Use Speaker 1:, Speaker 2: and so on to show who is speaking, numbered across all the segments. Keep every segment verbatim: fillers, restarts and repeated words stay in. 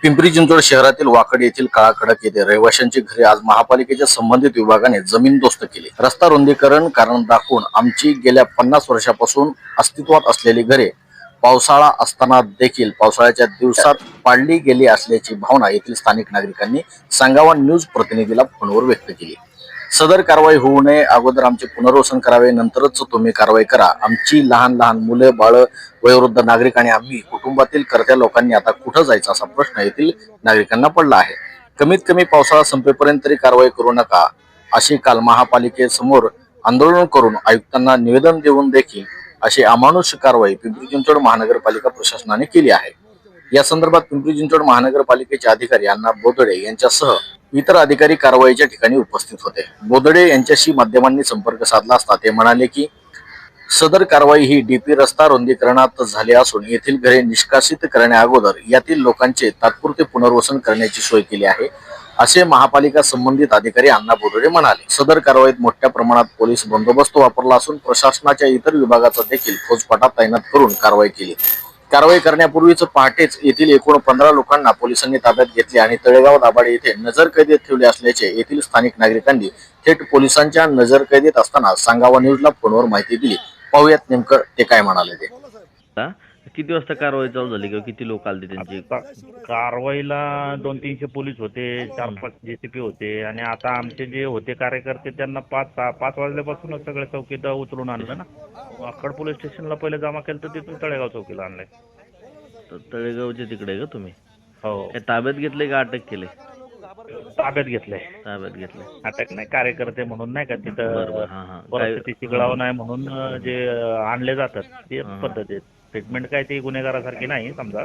Speaker 1: पिंपरी चिंचवड शहरातील वाकड येथील काळाकडक येथे रहिवाशांची घरे आज महापालिकेच्या संबंधित विभागाने जमीनदोस्त केली। रस्ता रुंदीकरण कारण दाखवून आमची गेल्या पन्नास वर्षापासून अस्तित्वात असलेली घरे पावसाळा असताना देखील पावसाळ्याच्या दिवसात पाडली गेली असल्याची भावना येथील स्थानिक नागरिकांनी सांगावा न्यूज प्रतिनिधीला फोनवर व्यक्त केली। सदर कारवाई होऊ नये अगोदर आमचे पुनर्वसन करावे, नंतरच तुम्ही कारवाई करा। आमची लहान लहान मुले, बाळ, वयोवृद्ध नागरिक आणि आम्ही कुटुंबातील कर्त्या लोकांनी आता कुठं जायचं असा प्रश्न येथील नागरिकांना पडला आहे। कमीत कमी पावसाळा संपेपर्यंत तरी कारवाई करू नका अशी काल महापालिकेसमोर आंदोलन करून आयुक्तांना निवेदन देऊन देखील अशी अमानुष कारवाई पिंपरी चिंचवड महानगरपालिका प्रशासनाने केली आहे। या संदर्भात पिंपरी चिंचवड महानगरपालिकेचे अधिकारी अण्णा बोदडे यांच्यासह इतर अधिकारी कारवाईच्या ठिकाणी उपस्थित होते। बोदडे यांच्याशी माध्यमांनी संपर्क साधला असता ते म्हणाले की सदर कारवाई ही डीपी रस्ता रुंदीकरणात झाली असून येथील घरे निष्कासित करण्या अगोदर यातील लोकांचे तात्पुरते पुनर्वसन करण्याची सोय केली आहे असे महापालिका संबंधित अधिकारी अण्णा बोदडे म्हणाले। सदर कारवाईत मोठ्या प्रमाणात पोलीस बंदोबस्त वापरला असून प्रशासनाच्या इतर विभागाचा देखील फौजफाटा तैनात करून कारवाई केली। कारवाई करण्यापूर्वीच पहाटेच येथील एकूण पंधरा लोकांना पोलिसांनी ताब्यात घेतले आणि तळेगाव दाभाडे येथे नजरकैदेत ठेवले असल्याचे येथील स्थानिक नागरिकांनी थेट पोलिसांच्या नजरकैदेत असताना सांगावा न्यूजला फोनवर माहिती दिली। पाहूयात नेमकं ते काय म्हणाले ते।
Speaker 2: किती वाजता कारवाई चालू झाली किंवा किती लोक आले त्यांची?
Speaker 3: कारवाईला दोन तीनशे पोलीस होते, चार पाच जेसीपी होते आणि आता आमचे जे होते कार्यकर्ते त्यांना पाच पाच वाजल्यापासूनच सगळे चौकीत उचलून आणलं ना। वाकड पोलीस स्टेशनला पहिले जमा केलं तर तिथून तळेगाव चौकीला आणलंय।
Speaker 2: तर तळेगावच्या तिकडे का तुम्ही?
Speaker 3: हो।
Speaker 2: ताब्यात घेतले का अटक केले?
Speaker 3: ताब्यात घेतलंय।
Speaker 2: ताब्यात घेतले।
Speaker 3: अटक नाही, कार्यकर्ते म्हणून नाही का तिथं
Speaker 2: हा हा
Speaker 3: परिस्थिती चिघळाव नाही म्हणून जे आणले जातात ते पद्धत आहे। ट्रीटमेंट काय ती गुन्हेगारासारखी नाही समजा।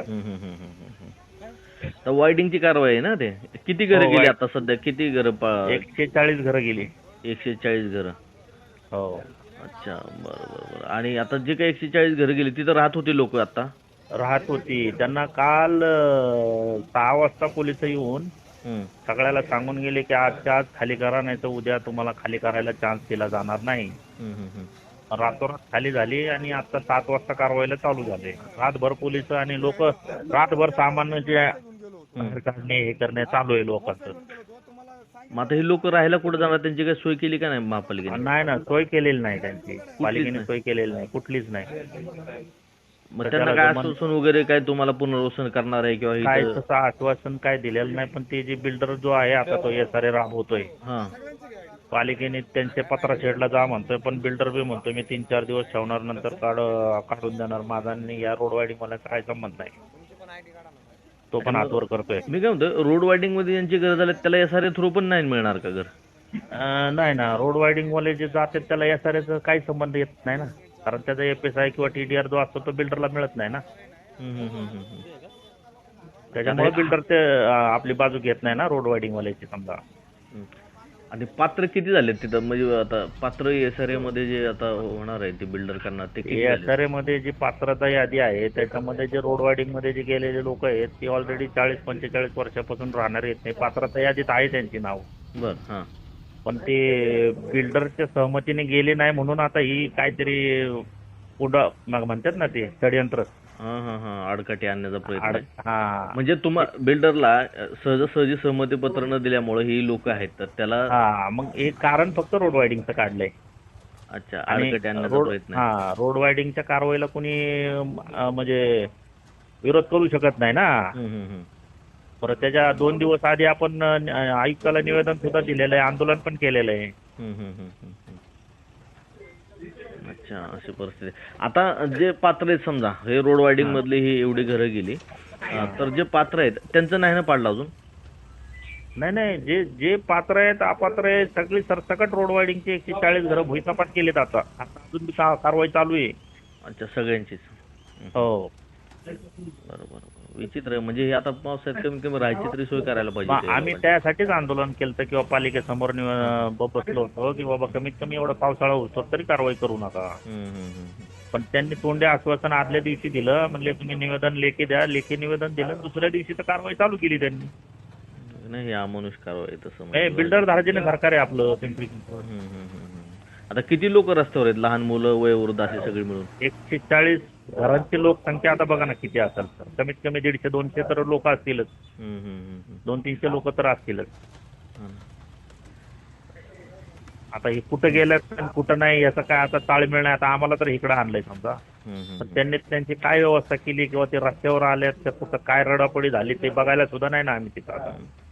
Speaker 2: तर वायडिंगची कारवाई आहे ना। ते किती घरं गेली आता सध्या? किती घरं?
Speaker 3: एकशे चाळीस घरं गेली।
Speaker 2: एकशे चाळीस घरं?
Speaker 3: हो।
Speaker 2: अच्छा, बरं बरं। आणि आता जे काही एकशे चाळीस घरं गेली तिथं राहत होते लोक? आता
Speaker 3: राहत होती, त्यांना काल सहा वाजता पोलिस येऊन सगळ्याला सांगून गेले की आजच्या आज खाली करा, नाही तर उद्या तुम्हाला खाली करायला चान्स दिला जाणार नाही। रातोरात खाली झाली आणि आता सात वाजता कारवाईला चालू झाले। रातभर पोलीस आणि लोक रातभर सामान्य जे काढणे हे करणे चालू आहे लोकांचं।
Speaker 2: मग आता हे लोक राहायला कुठे जाणार? त्यांची काही सोय केली का नाही महापालिकेने?
Speaker 3: नाही ना, सोय केलेली नाही त्यांची, पालिकेने सोय केलेली नाही, कुठलीच नाही।
Speaker 2: मग त्यांना काय आश्वासन वगैरे काय तुम्हाला पुनर्वसन करणार आहे किंवा
Speaker 3: काय तसं आश्वासन काय दिलेलं नाही। पण ते जे बिल्डर जो आहे आता तो एस आर ए राबवतोय, पालिकेने त्यांच्या पत्रा शेडला जा म्हणतोय, पण बिल्डर बी म्हणतोय मी तीन चार दिवस ठेवणार नंतर काढ काढून देणार। माझा या रोड वायडिंग मला काय संबंध नाही, तो पण हातवर करतोय।
Speaker 2: मी काय म्हणतो, रोड वायडिंग मध्ये ज्यांची घर झाले त्याला एस आर ए थ्रू पण नाही मिळणार का घर?
Speaker 3: नाही ना, रोड वायडिंग वाले जे जातात त्याला एस आर एचा काही संबंध येत नाही ना, कारण त्याचा एफ एस आय किंवा टी डी आर जो असतो तो बिल्डरला मिळत नाही ना। त्याच्यामुळे बिल्डर ते आपली बाजू घेत नाही ना रोड वायडिंग वाल्याची समजा।
Speaker 2: आणि पात्र किती झाले तिथं? म्हणजे आता पात्र एस आर ए मध्ये जे आता होणार आहे ते बिल्डर करणार ते किती?
Speaker 3: एस आर ए मध्ये जी पात्रता यादी आहे त्याच्यामध्ये जे रोड वायडिंग मध्ये जे गेलेले लोक आहेत ते ऑलरेडी चाळीस पंचेचाळीस वर्षापासून राहणार येत नाही। पात्रता यादीत आहे त्यांची नाव,
Speaker 2: बर हा,
Speaker 3: पण ते बिल्डरच्या सहमतीने गेले नाही म्हणून आता ही काहीतरी पुढं मग म्हणतात ना ते षडयंत्र,
Speaker 2: हा हा हा आडकाठी आणण्याचा प्रयत्न।
Speaker 3: हा,
Speaker 2: म्हणजे तुम्हा बिल्डरला सहजासहजी सहमती पत्र न दिल्यामुळे ही लोक आहेत तर त्याला
Speaker 3: हा, मग एक कारण फक्त रोड वायडिंगचं काढलंय।
Speaker 2: अच्छा, आडकाठी आणण्याचा प्रयत्न।
Speaker 3: हा, रोड वायडिंगच्या कारवाईला कोणी म्हणजे विरोध करू शकत नाही ना। बरं, त्याच्या दोन दिवस आधी आपण आयुक्ताला निवेदन सुद्धा दिलेलं आहे, आंदोलन पण केलेलं आहे।
Speaker 2: अच्छा, अशी परिस्थिती। आता जे पात्र आहेत समजा हे रोड वायडिंग मधली ही एवढी घरं गेली, तर जे पात्र आहेत त्यांचं नाही ना पाडलं अजून?
Speaker 3: नाही नाही, जे जे पात्र आहेत अपात्र आहेत सगळी सरसकट रोड वायडिंगची एकशे चाळीस घरं भुईसपाट केलेत। आता आता अजून कारवाई चालू आहे।
Speaker 2: अच्छा, सगळ्यांचीच?
Speaker 3: हो,
Speaker 2: बरोबर। विचित्र आहे, म्हणजे हे आता पावसाळ्यात कमी कमी राहायची तरी सोय करायला पाहिजे।
Speaker 3: आम्ही त्यासाठीच आंदोलन केलं किंवा पालिकेसमोर बसलो होतो की बाबा कमीत कमी एवढा पावसाळा होतो तरी कारवाई करू नका। पण त्यांनी तोंडी आश्वासन आदल्या दिवशी दिलं, म्हणजे तुम्ही निवेदन लेखी द्या, लेखी निवेदन दिलं, दुसऱ्या दिवशी तर कारवाई चालू केली त्यांनी।
Speaker 2: नाही, अमानुष कारवाई तसं
Speaker 3: बिल्डर धार्जिने सरकार आहे आपलं पिंपरी चिंचवड।
Speaker 2: आता किती लोक रस्त्यावर आहेत? लहान मुलं, वयोवृद्ध असे सगळे मिळून
Speaker 3: एकशे चाळीस घरांची लोकसंख्या आता बघा ना किती असेल सर, कमीत कमी दीडशे दोनशे तर लोक असतीलच,
Speaker 2: हम्म, हम्म, हम्म, हम्म.
Speaker 3: दोन तीनशे लोक तर असतीलच.
Speaker 2: हा ना.
Speaker 3: आता हे कुठं गेलं आणि कुठं नाही याचं काय आता ताळमेळ नाही. आता आम्हाला तर इकडं आणलंय समजा,
Speaker 2: हम्म, हम्म,
Speaker 3: पण
Speaker 2: हम्म.
Speaker 3: त्यांनी त्यांची काय व्यवस्था केली किंवा ते रस्त्यावर आल्यात तर कुठं काय रडापडी झाली ते बघायला सुद्धा नाही ना आम्ही तिथं आता.